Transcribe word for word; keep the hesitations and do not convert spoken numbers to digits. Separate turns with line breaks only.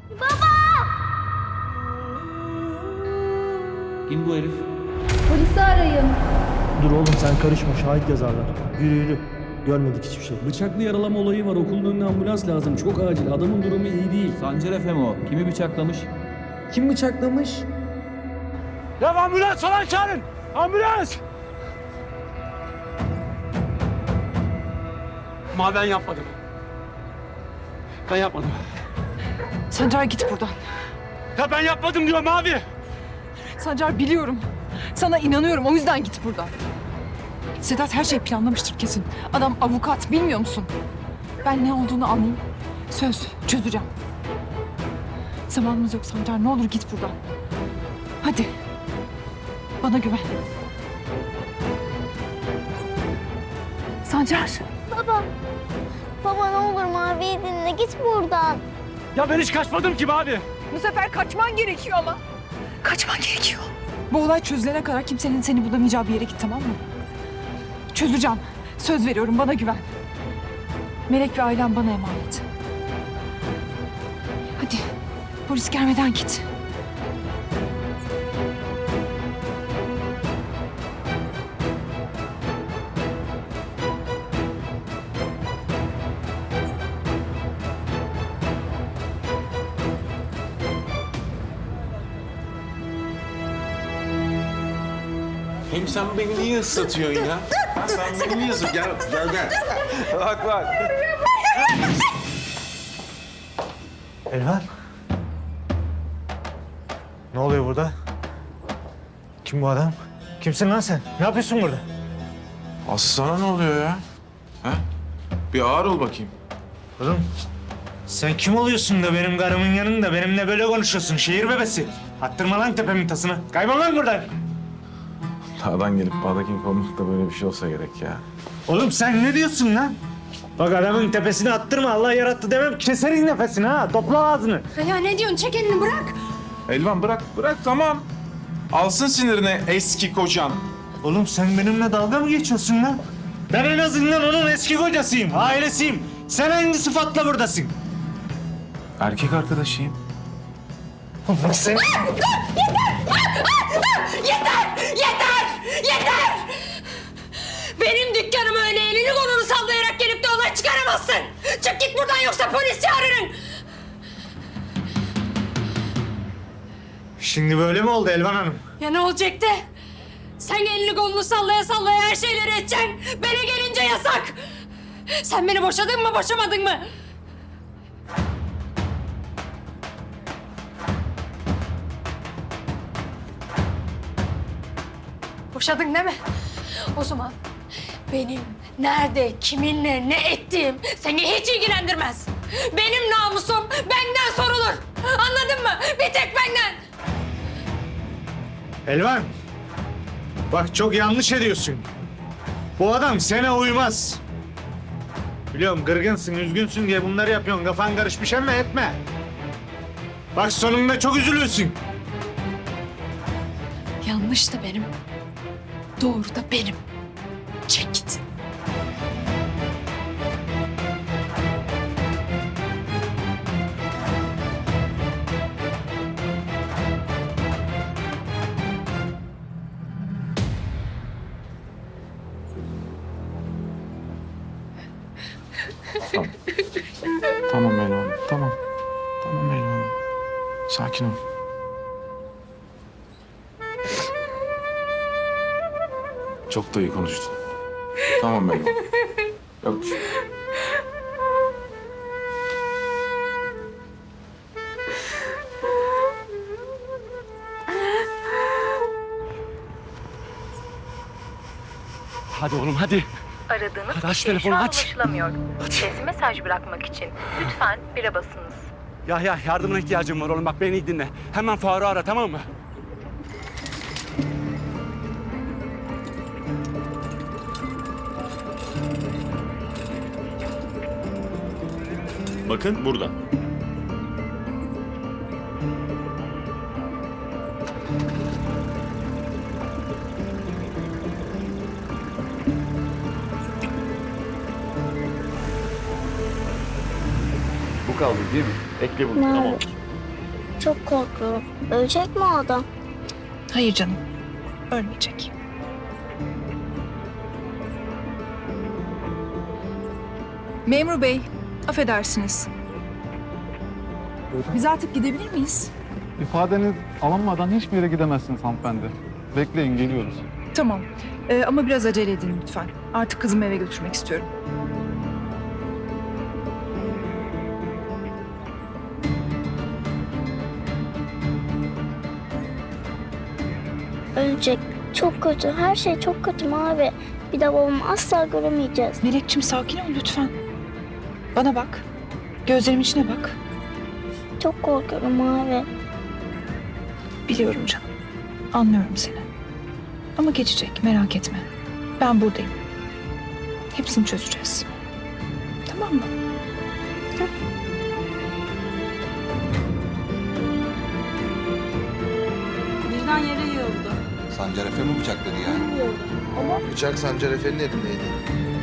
Kim bu herif?
Polisi arayın.
Dur oğlum sen karışma, şahit yazarlar. Yürü yürü. Görmedik hiçbir şey.
Bıçaklı yaralama olayı var. Okulun önüne ambulans lazım. Çok acil. Adamın durumu iyi değil.
Sancar Efe mi o? Kimi bıçaklamış?
Kim bıçaklamış?
Ya ambulans falan çağırın! Ambulans! Ma ben yapmadım. Ben yapmadım.
Sancar git buradan.
Ya ben yapmadım diyorum abi.
Sancar biliyorum. Sana inanıyorum o yüzden git buradan. Sedat her şeyi planlamıştır kesin. Adam avukat bilmiyor musun? Ben ne olduğunu anlayayım. Söz çözeceğim. Zamanımız yok Sancar ne olur git buradan. Hadi. Bana güven. Sancar.
Baba. Baba ne olur Mavi'yi dinle. Git buradan.
Ya ben hiç kaçmadım ki abi.
Bu sefer kaçman gerekiyor ama. Kaçman gerekiyor. Bu olay çözülene kadar kimsenin seni bulamayacağı bir yere git tamam mı? Çözeceğim. Söz veriyorum bana güven. Melek ve ailem bana emanet. Hadi polis gelmeden git.
Hem sen beni niye ıslatıyorsun ya? Ha, sen beni niye ıslatıyorsun? Gel, gel, gel. Bak, bak.
Elvan. Ne oluyor burada? Kim bu adam? Kimsin lan sen? Ne yapıyorsun burada?
Aslı sana ne oluyor ya? Ha? Bir ağır ol bakayım.
Oğlum sen kim oluyorsun da benim karımın yanında benimle böyle konuşuyorsun şehir bebesi? Attırma lan tepemin tasını. Kaybol lan buradan.
Dağdan gelip bağdakini kovmak da böyle bir şey olsa gerek ya.
Oğlum sen ne diyorsun lan? Bak adamın tepesine attırma Allah yarattı demem keserin nefesini ha topla ağzını.
Ya ne diyorsun çek elini bırak.
Elvan bırak, bırak tamam. Alsın sinirine eski kocan.
Oğlum sen benimle dalga mı geçiyorsun lan? Ben en azından onun eski kocasıyım, ailesiyim. Sen hangi sıfatla buradasın?
Erkek arkadaşıyım.
Oğlum sen...
Yeter! Yeter! Yeter! Benim dükkanıma öyle elini kolunu sallayarak gelip de olay çıkaramazsın! Çık git buradan yoksa polis çağırırım!
Şimdi böyle mi oldu Elvan Hanım?
Ya ne olacaktı? Sen elini kolunu sallaya sallaya her şeyleri edeceksin. Bana gelince yasak! Sen beni boşadın mı, boşamadın mı? Boşadın değil mi? O zaman benim nerede, kiminle, ne ettiğim seni hiç ilgilendirmez. Benim namusum benden sorulur. Anladın mı? Bir tek benden.
Elvan, bak çok yanlış ediyorsun. Bu adam sana uymaz. Biliyorum kırgınsın, üzgünsün diye bunları yapıyorsun. Kafan karışmış ama etme. Bak sonunda çok üzülürsün.
Yanlış da benim. Doğru da benim. Çek git.
Tamam. Tamam Elvan, tamam. Tamam Elvan. Sakin ol. Çok da iyi konuştun. Tamam Elvan. Yok bir şey.
Hadi oğlum hadi.
Aradığınız
Hadi aç
kişi
telefonu,
şu an
aç.
ulaşılamıyor. Sesli mesaj bırakmak için lütfen bire basınız.
Ya ya yardımına ihtiyacım var oğlum. Bak beni iyi dinle. Hemen Faruk'u ara tamam mı?
Bakın burada.
Bu kaldı değil mi? Ekle bunu.
Nerede?
Tamam.
Çok korkuyorum. Ölecek mi o adam?
Hayır canım. Ölmeyecek. Memur bey, affedersiniz. Biz artık gidebilir miyiz?
İfadeniz alınmadan hiçbir yere gidemezsiniz hanımefendi. Bekleyin, geliyoruz.
Tamam. Ee, ama biraz acele edin lütfen. Artık kızımı eve götürmek istiyorum.
Ölecek. Çok kötü. Her şey çok kötü Mavi. Bir de babamı asla göremeyeceğiz.
Melekçim sakin ol lütfen. Bana bak. Gözlerimin içine bak.
Çok korkuyorum Mavi.
Biliyorum canım. Anlıyorum seni. Ama geçecek, merak etme. Ben buradayım. Hepsini çözeceğiz. Tamam mı?
Birden yere yığıldı.
Sancar Efe mi bıçakladı yani?
Ama
Bıçak Sancar Efe'nin elindeydi.